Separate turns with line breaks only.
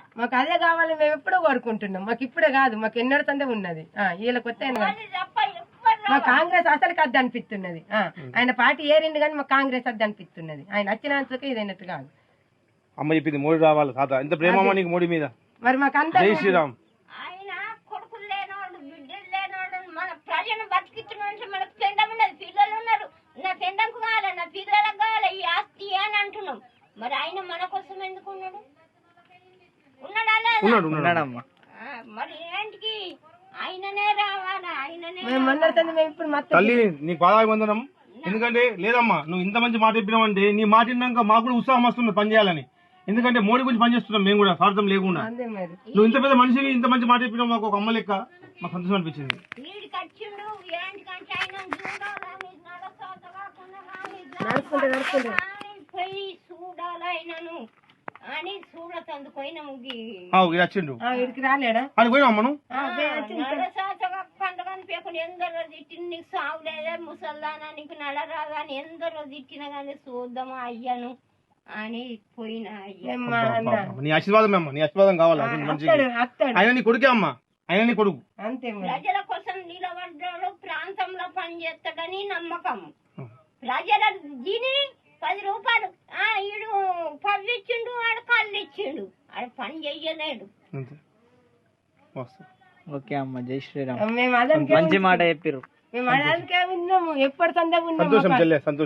మాకు అదే కావాలి, మేము ఎప్పుడో కోరుకుంటున్నాం. మాకు ఇప్పుడే కాదు, మాకు ఎన్నడ సందే ఉన్నది. వీళ్ళకి కొత్త మా కాంగ్రెస్ అసలు అద్దు అనిపిస్తున్నది. ఆయన పార్టీ ఏరింది కానీ మా కాంగ్రెస్ అద్దు అనిపిస్తున్నది. ఆయన వచ్చినందుకు ఇదైనట్టు కాదు.
అమ్మ చెప్పింది మోడీ రావాలి తాత. ఎంత ప్రేమ నీకు మోడీ మీద.
మరి మాకు అంత
జై శ్రీరామ్.
ఆయన కొడుకులు లేనోడు, బిడ్డలు లేనోడు, మన ప్రజలను బతికిస్తున్న మనకు పెండం ఉన్నది, పిల్లలు ఉన్నారు. నా పెండంకు కావాలి, నా పిల్లలకు కావాలి ఈ ఆస్తి అని అంటున్నాం. మరి ఆయన మన కోసం ఎందుకు ఉన్నాడు?
ఉన్నాడమ్మా.
మరి ఏంటికి ఆయననే రావాలా? ఆయననే
తల్లి నీ పాదాభివందనం. ఎందుకంటే లేదమ్మా, నువ్వు ఇంత మంచి మాట చెప్పినావంటే నీ మాట విన్నాక మాకు కూడా ఉత్సాహం వస్తుంది పని చేయాలని. ఎందుకంటే మోడీ గురించి పనిచేస్తున్నాం మేము కూడా, స్వార్థం లేకుండా. నువ్వు ఇంత పెద్ద మనిషివి, ఇంత మంచి మాట చెప్పినావు, మాకు ఒక అమ్మ లెక్క మాకు సంతోషం అనిపించింది.
చూడాలైనను అని చూడతందుకు
వచ్చిండు అని పోయినా మనం
పండుగని పేపర్ ఎందరో తిట్టిన నీకు సాగు లేదా ముసల్దానా నీకు నడరాదా అని ఎందరో తిట్టిన కానీ చూద్దామా అయ్యాను అని పోయినా.
నీ ఆశీర్వాదం అమ్మ, నీ ఆశీర్వాదం కావాలి మంచిగా. ఆయన నీ కొడుకే అమ్మా, ఆయన నీ కొడుకు.
ప్రజల కోసం నిలబడ్డాడు, ప్రాంతంలో పని చేస్తాడని నమ్మకం. ప్రజల దీని 10 రూపాయలు ఈడు పవ్వి ఇచ్చిండు, ఆడు కళ్ళు ఇచ్చిండు, ఆడు పని చెయ్యలేడు.
ఓకే అమ్మ, జై శ్రీరామ్. మంచి మాట చెప్పారు.
మేము అదే విన్నాము, ఎప్పటి సందే
సంతోషం.